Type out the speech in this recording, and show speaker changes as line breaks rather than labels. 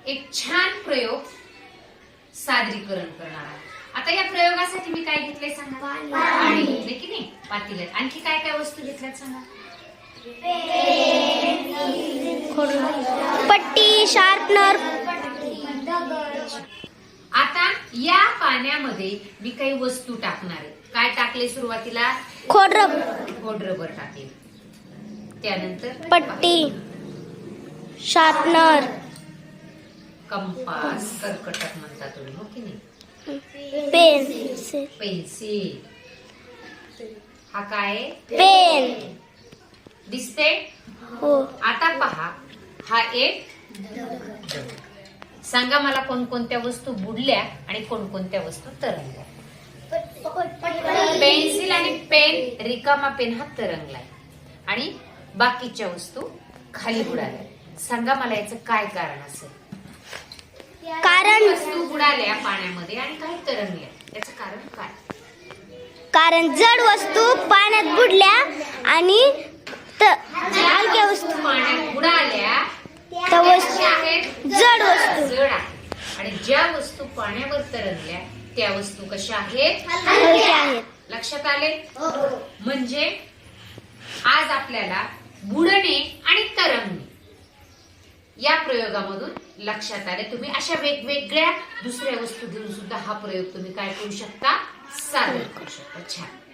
एक छान प्रयोग सादरीकरण करणार आहे। आता या प्रयोगासाठी मी काय घेतलंय सांगा? पाणी घेतले की नाही, पातेल्यात। आणखी काय काय वस्तू घेतल्यात सांगा?
पट्टी, शार्पनर।
आता या पाण्यामध्ये मी काही वस्तू टाकणार आहे। काय टाकले सुरुवातीला? खोडरबर टाकले, त्यानंतर
पट्टी, शार्पनर,
कंपास, कर्कटक म्हणता तुम्ही, हो की नाही, पेन्सिल। हा काय?
पेन।
दिसते?
हो।
आता पहा, हा एक सांगा मला कोणकोणत्या वस्तू बुडल्या आणि कोणकोणत्या वस्तू तरंगल्या? पेन्सिल आणि पेन, रिकामा पेन हा तरंगलाय आणि बाकीच्या वस्तू खाली बुडाल्या। सांगा मला याचं काय कारण असेल?
कारण
वस्तू बुडाल्या पाण्यामध्ये आणि काही तरंगल्या, याचं कारण काय?
कारण जड वस्तू पाण्यात बुडल्या आणि हलक्या वस्तू
पाण्यात बुडाल्या
त्या वस्तू
कशा आहेत?
जड वस्तू
जड आहेत। आणि ज्या वस्तू पाण्यावर तरंगल्या त्या वस्तू कशा आहेत?
हलक्या आहेत।
लक्षात आले? म्हणजे आज आपल्याला बुडणे आणि तरंगणे या प्रयोगामधून लक्षात आले। तुम्ही अशा वेगवेगळ्या दुसऱ्या वस्तू घेऊन सुद्धा हा प्रयोग तुम्ही काय करू शकता? सादर करू शकता। छान।